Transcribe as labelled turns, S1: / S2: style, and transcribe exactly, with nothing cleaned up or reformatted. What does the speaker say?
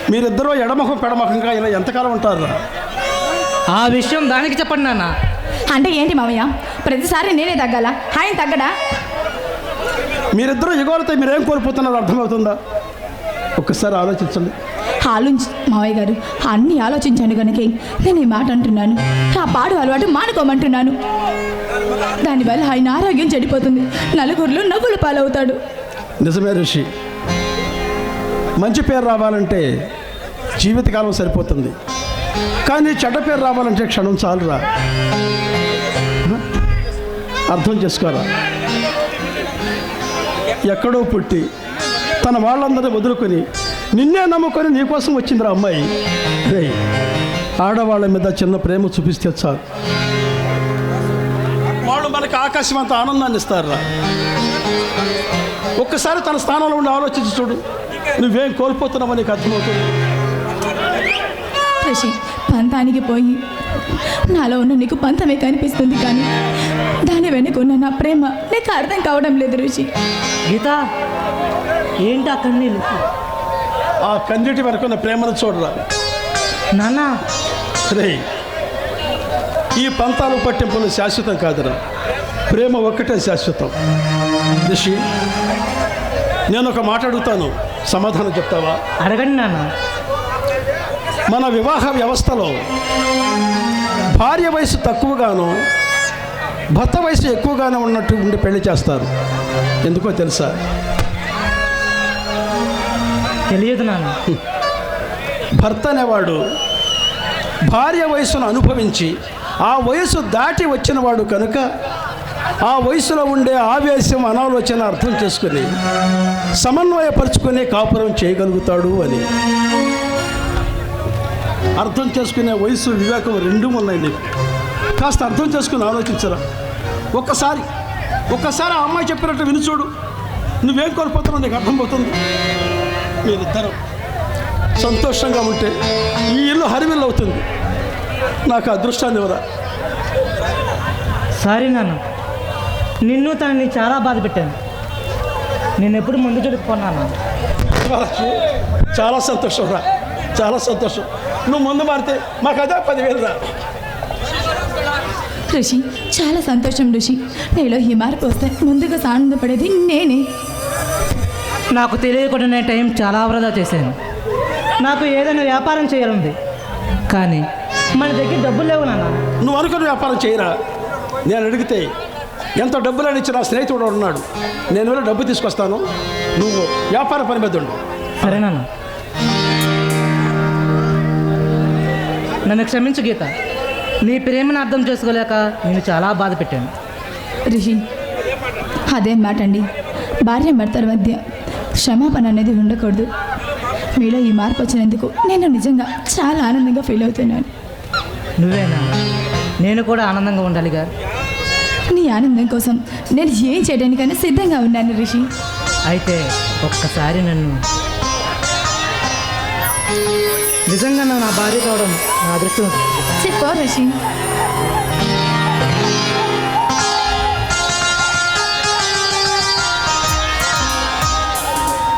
S1: మీరిద్దరూ ఎడమొఖం పెడమొఖంగా ఇలా ఎంతకాలం ఉంటారు?
S2: ఆ విషయం దానికి చెప్పండి నాన్న.
S3: అంటే ఏంటి మామయ్య, ప్రతిసారి నేనే తగ్గాలా, ఆయన తగ్గడా?
S1: మీరిద్దరూ ఎగోరితే మీరేం కోల్పోతున్నారో అర్థమవుతుందా? ఒక్కసారి ఆలోచించండి.
S3: ఆలోచి మావయ్య గారు, అన్నీ ఆలోచించాను కనుక నేను ఈ మాట అంటున్నాను. ఆ పాడు అలవాటు మానుకోమంటున్నాను. దానివల్ల ఆయన ఆరోగ్యం చెడిపోతుంది, నలుగురిలో నవ్వులు పాలవుతాడు.
S1: నిజమే ఋషి, మంచి పేరు రావాలంటే జీవితకాలం సరిపోతుంది, కానీ చెడ్డ పేరు రావాలంటే క్షణం చాలురా. అర్థం చేసుకోరా. ఎక్కడో పుట్టి తన వాళ్ళందరినీ వదులుకొని నిన్నే నమ్ముకొని నీకోసం వచ్చిందిరా అమ్మాయి. రే, ఆడవాళ్ళ మీద చిన్న ప్రేమ చూపిస్తే చాలు, వాళ్ళు మనకి ఆకాశం అంత ఆనందాన్ని ఇస్తారా. ఒక్కసారి తన స్థానంలో ఉండి ఆలోచించి చూడు, నువ్వేం కోల్పోతున్నావో నీకు అర్థమవుతుంది.
S3: ఋషి, పంతానికి పోయి నాలో ఉన్న నీకు పంతమే కనిపిస్తుంది, కానీ దాని వెనుక ఉన్న నా ప్రేమ నీకు అర్థం కావడం లేదు ఋషి.
S2: గీత, ఏంటి ఆ కన్నీళ్ళు?
S1: ఆ కన్నీటి వరకు ఉన్న ప్రేమను చూడరా
S2: నాన్న.
S1: రే, ఈ పంతాలు పట్టింపులు శాశ్వతం కాదురా, ప్రేమ ఒక్కటే శాశ్వతం. ఋషి, నేను ఒక మాట అడుగుతాను, సమాధానం చెప్తావా?
S2: అడగండి నాన్న.
S1: మన వివాహ వ్యవస్థలో భార్య వయసు తక్కువగాను భర్త వయసు ఎక్కువగానే ఉన్నట్టు ఉండి పెళ్లి చేస్తారు. ఎందుకో తెలుసా?
S2: తెలియదు నాన్న.
S1: భర్త అనేవాడు భార్య వయసును అనుభవించి ఆ వయసు దాటి వచ్చినవాడు కనుక ఆ వయసులో ఉండే ఆవేశం, అనాలోచన అర్థం చేసుకుని సమన్వయపరుచుకుని కాపురం చేయగలుగుతాడు అని. అర్థం చేసుకునే వయసు, వివేకం రెండూ ఉన్నాయి నీకు. కాస్త అర్థం చేసుకుని ఆలోచించరా. ఒక్కసారి ఒక్కసారి ఆ అమ్మాయి చెప్పినట్టు విని చూడు, నువ్వేం కోల్పోతున్నావు నీకు అర్థమవుతుంది. మీరిద్దరం సంతోషంగా ఉంటే ఈ ఇల్లు హరివిల్లు అవుతుంది. నాకు అదృష్టాన్ని ఇవ్వరా.
S2: సారీ నాన్న, నిన్ను తనని చాలా బాధ పెట్టాను. నేను ఎప్పుడు ముందు చెడుకున్నాను.
S1: చాలా సంతోషం రా, చాలా సంతోషం. నువ్వు ముందు మారితే మాకు అదే పదివేలు రా.
S3: ఋషి, చాలా సంతోషం ఋషి. నీలో ఈ మార్పు వస్తే ముందుగా ఆనందపడేది నేనే.
S2: నాకు తెలియకుండా నేను టైం చాలా వృధా చేశాను. నాకు ఏదైనా వ్యాపారం చేయాలంది, కానీ మన దగ్గర డబ్బులు లేవు నాన్న.
S1: నువ్వు అనుకున్న వ్యాపారం చేయరా. నేను అడిగితే ఎంత డబ్బులు ఇచ్చి నా స్నేహితుడు ఉన్నాడు, నేను వెళ్ళి డబ్బు తీసుకొస్తాను, నువ్వు వ్యాపార పని మీద ఉండు.
S2: సరే నాన్న. నన్ను క్షమించు గీత, నీ ప్రేమను అర్థం చేసుకోలేక నేను చాలా బాధ పెట్టాను.
S3: ఋషి, అదేం మాట అండి. భార్య భర్తల మధ్య క్షమాపణ అనేది ఉండకూడదు. మీలో ఈ మార్పు వచ్చినందుకు నేను నిజంగా చాలా ఆనందంగా ఫీల్ అవుతున్నాను.
S2: నువ్వేనా? నేను కూడా ఆనందంగా ఉండాలిగా.
S3: నీ ఆనందం కోసం నేను ఏం చేయడానికైనా సిద్ధంగా ఉన్నాను ఋషి.
S2: అయితే ఒక్కసారి నన్ను నిజంగా నా భార్య కావడం నా అదృష్టం.
S3: చెప్పు ఋషి.